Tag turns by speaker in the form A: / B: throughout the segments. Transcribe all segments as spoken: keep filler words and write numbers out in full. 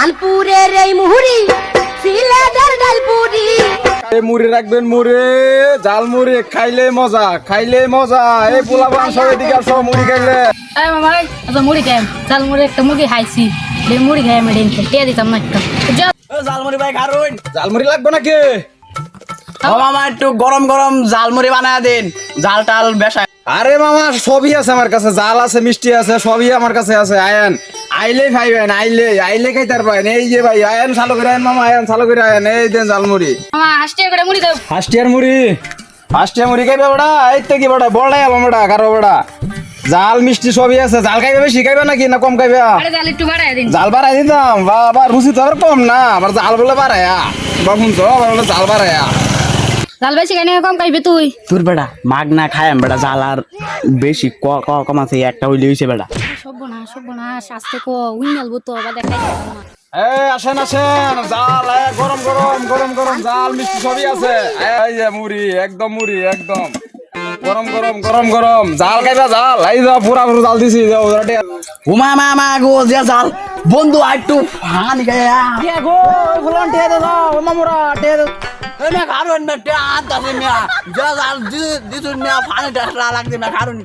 A: কানপুরের এই মুহুরি সিলেটের ডালপুরি
B: এই মুড়ি রাখবেন মুড়ি জাল মুড়ি খাইলে মজা খাইলে মজা এই পোলাপান সব এদিকে আসো মুড়ি খাইলে
C: এই মামা আচ্ছা মুড়ি খাই জাল মুড়ি একটা মুড়ি খাইছি লে মুড়ি খাই আমি ডেন কে দিতাম না একটা
D: জালমুড়ি ভাই খারুন
B: জাল মুড়ি লাগবে নাকি
D: ও মামা একটু গরম গরম জালমুড়ি বানায় দিন জাল টাল বেশায়
B: আরে মামা সবই আছে আমার কাছে জাল আছে মিষ্টি আছে সবই আমার কাছে আছে আয়েন আইলে খাইবেন আইলে আইলে খাইতার পাইন এই যে ভাই আয়েন চালু করে আয়েন মামা আয়েন চালু করে আয়েন এই দেন জাল মুড়ি
C: মামা হাসতে করে মুড়ি দাও
B: ফার্স্টিয়ার মুড়ি ফার্স্টিয়ার মুড়ি খাইবে বড়া এই তো কি বড়া বড়াই আলো বড়া কারো বড়া জাল মিষ্টি সবই আছে জাল খাইবে বেশি খাইবে নাকি না কম খাইবে
C: আরে জাল একটু বাড়ায় দিন
B: জাল বাড়াই দিতাম বাবা রুচি তো আর কম না আবার জাল বলে বাড়ায়া বাবুন তো আবার বলে জাল বাড়ায়া
C: জাল বেশি খাই না কম খাইবে তুই
D: তোর বেটা মাগ না খায় বেটা জাল আর বেশি ক ক কম আছে একটা হইলে হইছে বেটা
C: সব না সব না শাস্তে কো উইনালবো তো বা দেখাই না
B: এই আসেন আসেন জাল এ, গরম গরম গরম গরম জাল মিষ্টি সবই আছে এই যে মুড়ি একদম মুড়ি একদম গরম গরম গরম গরম জাল খাইবা জাল এই যা পুরা পুরো জাল দিছি যাও রাটে
D: উমা মা গো যে জাল বন্ধু একটু ফান গায়া
B: কে গো ফুলন টে দে দাও মামুরা টে দে
D: এনে খারুন না তে আত আছে মিয়া যে জাল দি দিছুন মিয়া ফানে ডাসলা লাগছে না খারুন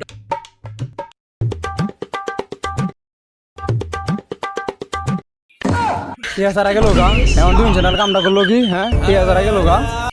B: কে হাজার গেল গা এমন দুই জনের কামটা করলো কি হ্যাঁ কে হাজার গেল গা